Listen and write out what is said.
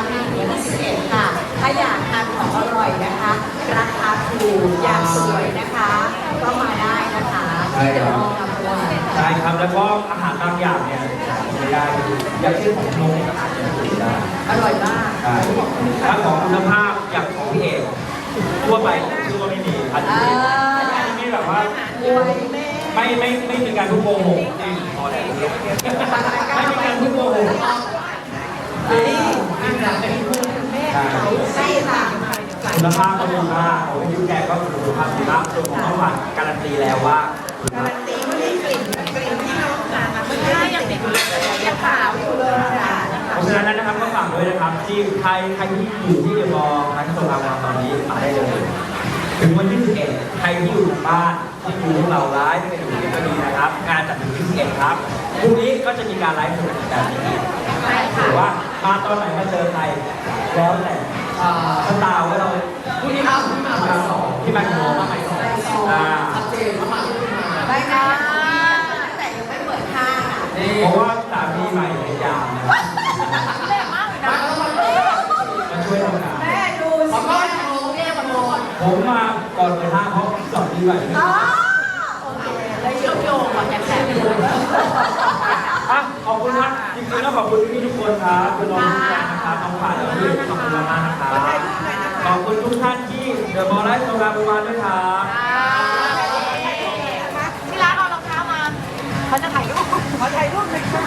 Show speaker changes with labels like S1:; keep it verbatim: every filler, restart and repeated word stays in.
S1: มีที่ที่สิบเอ็ดค่ะ ถ้าอยากทานของอร่อยนะคะ ราคาถูกอยากสวยนะคะ ก็มาได้นะคะที่เดอะมอลล์ลำพูน
S2: ใช่ครับแล้วก็อาหารบางอย่างเนี่ยไม่ได้อย่างเช่นของนมอาจจะไม่ได้
S1: อร่อยมาก
S2: ใช่ถ้าของคุณภาพอย่างของพี่เอกทั่วไปผมเชื่อว่าไม่มีอันนี้อันนี้ไม่แบบว่าไม่ไม่ไม่มีการพูดโกหกจริงพอแล้วไม่มีการพูดโกหก
S1: นี่อาหารเป็นคุณแม่เขาใช่ค่ะ
S2: คุณภาพก็ดีมากผมยิ้มแกก็คุณภาพดีมากส่วนของข้าวผัดการันตีแล้วว่า
S1: การันตีไม่ได้กลิ่นกลิ่นที่เราทานมาไม่ได้ยังเด็กยังขาวอยู่เลยค่ะ
S2: เพราะฉะนั้นนะครับก็ฝากด้วยนะครับที่ใครใครที่อยู่ที่เดอะมอลล์ร้านโซลาร์ตอนนี้มาได้เลยถึงวันที่สิบเอ็ดใครที่อยู่ทางบ้านที่ดูพวกเราไลฟ์ที่อยู่ที่ก็ดีนะครับงานจัดถึงที่สิบเอ็ดครับพรุ่งนี้ก็จะมีการไลฟ์สดแบบนี้หรือว่ามาตอนไหนมาเจอใครแล้วแต่สตาร์ว่าเราพรุ่งนี้มาพรุ่งนี้มาบ่ายสองที่มากี่โมงมาบ่ายสองอ่าชัดเจนว่ามาที่มา
S1: ได้ค่ะแต่ยังไม่เปิดห้างอ่ะ
S2: เพราะว่าสามีใหม่พยายามนะ
S1: แม่มากเลยนะ
S2: มาช่วยทำงาน
S1: แม่ดูสิแม่โมแม่โม
S2: ผมมาก่อนไปห้างเพราะสอนดีใหม่
S1: อ๋อโอเคเลยเชื่อมโยงกับแอบแอบอยู่
S2: อ่ะขอบคุณครับจริงๆแล้วขอบคุณพี่ทุกคนครับคุณน้องทุกท่านนะครับน้องฝ่ายและพี่ขอบคุณมากๆนะครับขอบคุณทุกท่านที่เดอะมอลล์ไลฟ์โซลาร์บูวานด้วยครับ
S1: ที่ร้านเอารองเท้ามาเขาจะถ่ายรูปเขาถ่ายรูปเลยค่ะ